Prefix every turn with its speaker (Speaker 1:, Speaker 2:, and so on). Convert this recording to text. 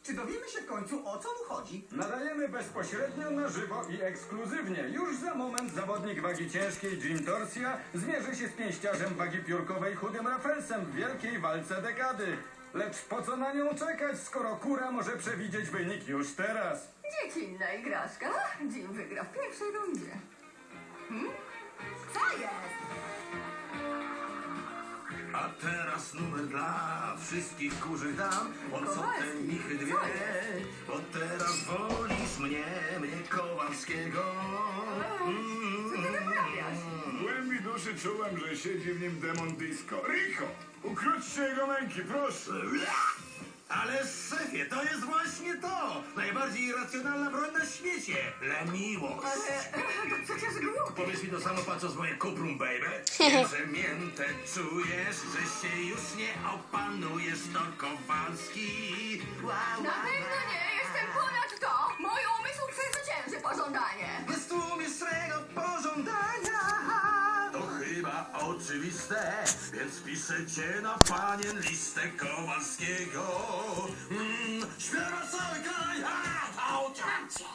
Speaker 1: Czy dowiemy się w końcu, o co mu chodzi?
Speaker 2: Nadajemy bezpośrednio na żywo i ekskluzywnie. Już za moment zawodnik wagi ciężkiej Jim Torsia zmierzy się z pięściarzem wagi piórkowej Chudym Raffelsem w wielkiej walce dekady. Lecz po co na nią czekać, skoro kura może przewidzieć wynik już teraz?
Speaker 3: Dziecinna igraszka. Jim wygra w pierwszej rundzie.
Speaker 4: Co jest?
Speaker 5: A teraz numer dla wszystkich kurzych dam, po co te
Speaker 3: Kowalski,
Speaker 5: michy dwie?
Speaker 3: co jest?
Speaker 5: Bo teraz wolisz mnie Kowalskiego.
Speaker 3: Co ty wyprawiasz?
Speaker 6: W głębi duszy czułem, że siedzi w nim demon disco. Rico, ukróćcie jego męki, proszę.
Speaker 5: Ale szefie, to jest właśnie to! Najbardziej irracjonalna broń na świecie! Leniwość!
Speaker 3: Ale to przecież głupie.
Speaker 5: Powiedz mi to samo, patrząc w moje kuprum, baby. Wiem, że miętę czujesz, że się już nie opanujesz, to Kowalski.
Speaker 3: Na pewno nie jestem ponad to. Mój umysł przezwycięży pożądanie.
Speaker 5: Jest tu mistrego pożądania. To chyba oczywiste, więc piszę cię na panien listę Kowalskiego. Śpiewa cały kraj,